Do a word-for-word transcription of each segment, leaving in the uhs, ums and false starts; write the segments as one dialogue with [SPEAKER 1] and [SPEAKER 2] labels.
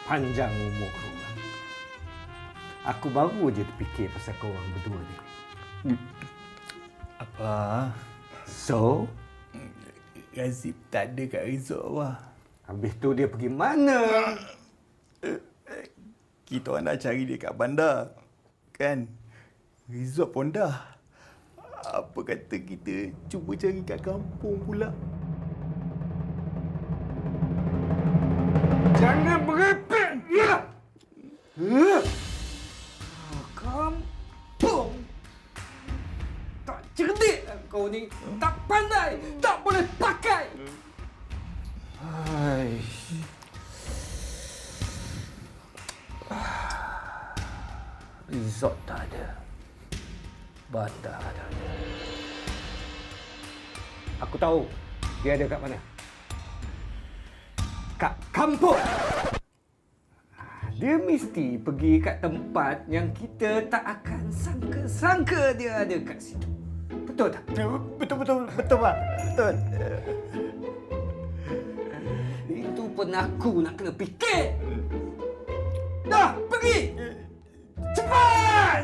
[SPEAKER 1] Panjang umur kau. Aku baru je terfikir pasal kau orang berdua ni.
[SPEAKER 2] Apa?
[SPEAKER 1] So,
[SPEAKER 2] Razif tak ada kat resort, Abah.
[SPEAKER 1] habis tu dia pergi mana?
[SPEAKER 2] Kita orang dah cari dia kat bandar. Kan? Resort pun dah. Apa kata kita cuba cari kat kampung pula?
[SPEAKER 1] Jangan berepek dia! Huh? Kampung! Tak cerdik kau ni. Tak pandai. Tak boleh pakai. Hai. Resort tak ada. Bandar tak ada. Aku tahu dia ada kat mana. Kat kampung. Dia mesti pergi kat tempat yang kita tak akan sangka-sangka dia ada kat situ. Betul tak?
[SPEAKER 2] Betul, betul, betul, Pak. Betul.
[SPEAKER 1] Itu pun aku nak kena fikir. Dah, pergi! Cepat!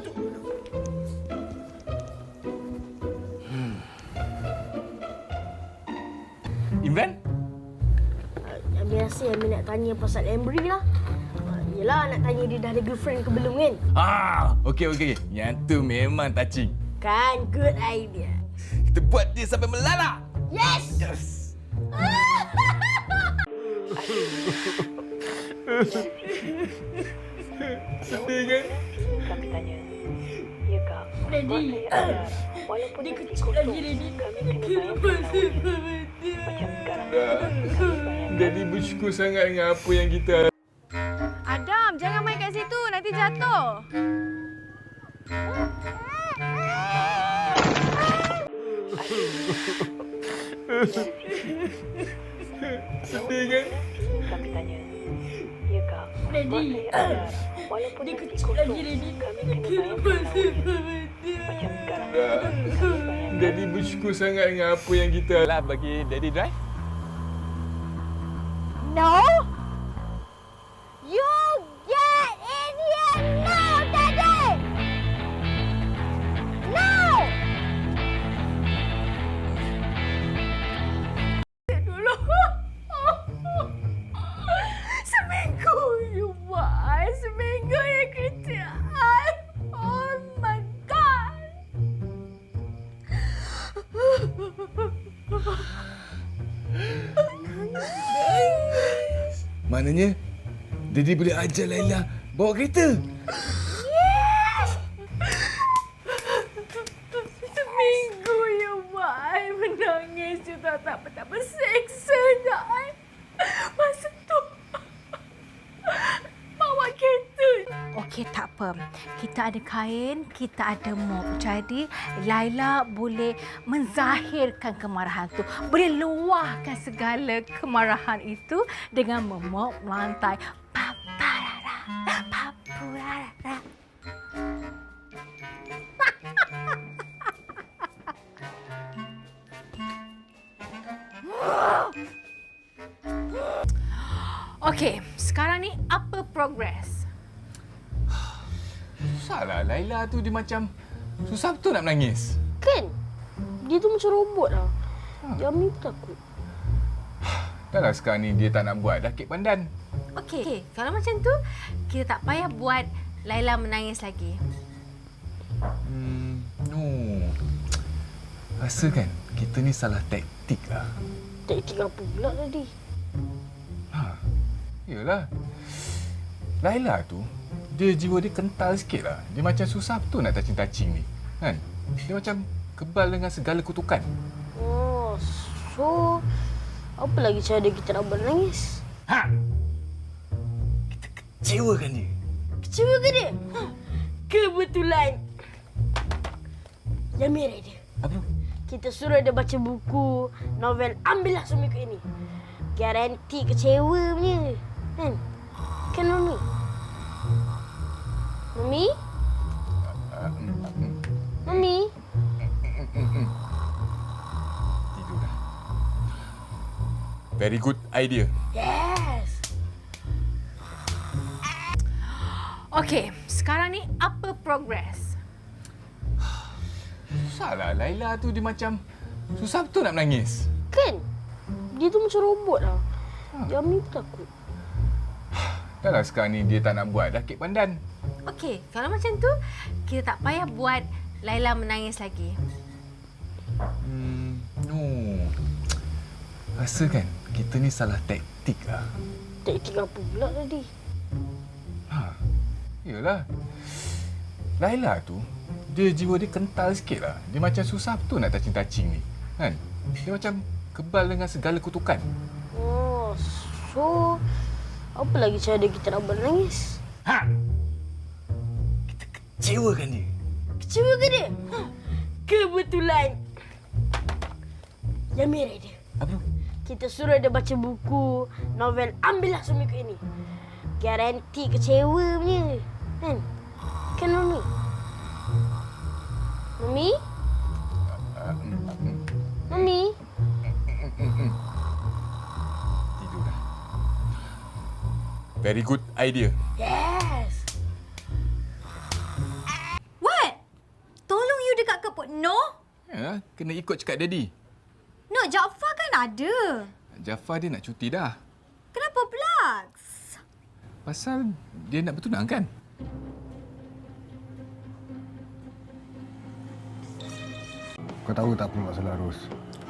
[SPEAKER 3] Imran?
[SPEAKER 4] Yang biasa Ami nak tanya pasal Embry lah. Yelah, nak tanya dia dah ada girlfriend ke belum kan?
[SPEAKER 3] Ah, okey okey. Yang tu memang touching.
[SPEAKER 4] Kan, good idea.
[SPEAKER 3] Kita buat dia sampai melalak.
[SPEAKER 4] Yes!
[SPEAKER 3] Yes. Sedih kan?
[SPEAKER 5] Kami tanya, ya kak,
[SPEAKER 4] Daddy,
[SPEAKER 5] saya ada, walaupun
[SPEAKER 4] dia
[SPEAKER 5] nanti
[SPEAKER 4] kecil
[SPEAKER 5] kosong,
[SPEAKER 4] lagi, Daddy.
[SPEAKER 5] kami kena bayar setahun. Macam sekarang, kami bayar.
[SPEAKER 3] Jadi bersyukur sangat dengan apa yang kita
[SPEAKER 6] Adam, jangan main kat situ. Nanti jatuh.
[SPEAKER 3] sedih kan?
[SPEAKER 5] Kami tanya, ya kak,
[SPEAKER 4] Daddy,
[SPEAKER 5] saya ada, walaupun
[SPEAKER 4] dia
[SPEAKER 5] nanti
[SPEAKER 4] kecil
[SPEAKER 5] kosong,
[SPEAKER 4] lagi, Daddy.
[SPEAKER 5] kami kena bayar setahun. Macam sekarang, kami bayar.
[SPEAKER 3] Jadi bersyukur sangat dengan apa yang kita lah bagi Daddy drive.
[SPEAKER 6] No. You get in here now, Daddy. Now.
[SPEAKER 4] Dulu. Seminggu you buat. Seminggu you kerja. I. Oh my God.
[SPEAKER 3] Maknanya Daddy boleh ajar Laila bawa kereta.
[SPEAKER 4] Seminggu you buat. I menangis. You tak tak betapa seksa je. I. Masa tu. Bawa kereta.
[SPEAKER 6] Okey, tak apa. Kita ada kain, kita ada mop. Jadi, Laila boleh menzahirkan kemarahan tu. Boleh luahkan segala kemarahan itu dengan memop lantai. Paparara, papurara. Okey, sekarang ni apa progress?
[SPEAKER 3] Susahlah Laila tu dia macam susah betul nak menangis.
[SPEAKER 4] Kan? Dia tu macam robot lah. Dia Ami pun takut.
[SPEAKER 3] Dah lah sekarang ni dia tak nak buat dah kek pandan.
[SPEAKER 6] Okey, okay, kalau macam tu, kita tak payah buat Laila menangis lagi.
[SPEAKER 3] Hmm, no. Rasa kan kita ni salah taktik lah.
[SPEAKER 4] Taktik apa pula tadi?
[SPEAKER 3] Ha, yelah. Laila tu, dia jiwa dia kental sikit lah. Dia macam susah betul nak touching-touching ni. Kan? Dia macam kebal dengan segala kutukan.
[SPEAKER 4] Oh, so apa lagi cara kita nak buat nangis?
[SPEAKER 3] Ha! Kita kecewakan dia.
[SPEAKER 4] Kecewa ke dia? Ha, kebetulan. Jamir dia.
[SPEAKER 3] Apa?
[SPEAKER 4] Kita suruh dia baca buku, novel Ambillah Seminggu Ini. Garanti kecewa punya. Kan? Kan, Mami? Mami? Mami?
[SPEAKER 3] Tidur dah. Very good idea.
[SPEAKER 4] Yes.
[SPEAKER 6] Okey, sekarang ni apa progress?
[SPEAKER 3] Susahlah Laila tu dia macam susah betul nak menangis.
[SPEAKER 4] Kan? Dia tu macam robot lah. Dia Ami pun takut.
[SPEAKER 3] Dah lah sekarang ni dia tak nak buat dah kek pandan.
[SPEAKER 6] Okey, kalau macam tu, kita tak payah buat Laila menangis lagi.
[SPEAKER 3] Hmm, no. Rasa kan kita ni salah taktik lah.
[SPEAKER 4] Taktik apa pula tadi?
[SPEAKER 3] Ha, yelah. Laila tu, dia jiwa dia kental sikit lah. Dia macam susah betul nak touching-touching ni. Kan? Dia macam kebal dengan segala kutukan.
[SPEAKER 4] Oh, so apa lagi cara kita nak buat nangis?
[SPEAKER 3] Ha! Kita kecewakan dia.
[SPEAKER 4] Kecewa ke dia? Ha, kebetulan. Yang merah dia.
[SPEAKER 3] Apa tu?
[SPEAKER 4] Kita suruh dia baca buku, novel Ambillah Suamiku Ini. Garanti kecewa punya. Kan? Kan, Mami? Mami? Mami?
[SPEAKER 3] Tidur dah. Very good idea.
[SPEAKER 4] Yes!
[SPEAKER 6] What? Tolong you dekat ke Put No?
[SPEAKER 3] Ya, kena ikut cakap daddy.
[SPEAKER 6] No, Jaafar kan ada.
[SPEAKER 3] Jafar dia nak cuti dah.
[SPEAKER 6] Kenapa pula?
[SPEAKER 3] Pasal dia nak bertunang kan?
[SPEAKER 7] Kau tahu tak apa masalah Ros?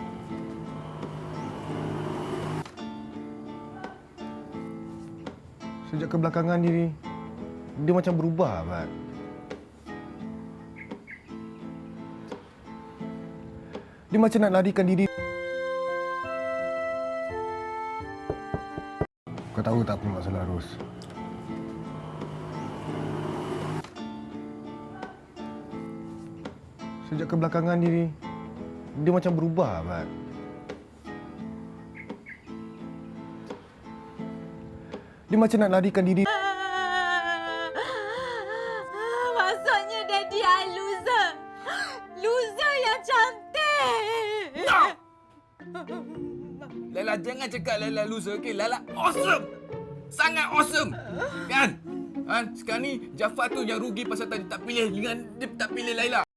[SPEAKER 7] Sejak kebelakangan ni, dia macam berubah, Abad. Dia macam nak larikan diri. Kau tahu tak apa masalah Ros? Sejak kebelakangan ni, dia macam berubah, Abad. Dia macam nak larikan diri.
[SPEAKER 6] Maksudnya daddy I loser. Loser yang cantik.
[SPEAKER 3] No! Laila, jangan cakap Laila loser, okey? Laila awesome! Sangat awesome! Kan? Ha, sekarang ni Jafar tu yang rugi pasal tadi tak pilih dengan dia tak pilih Laila.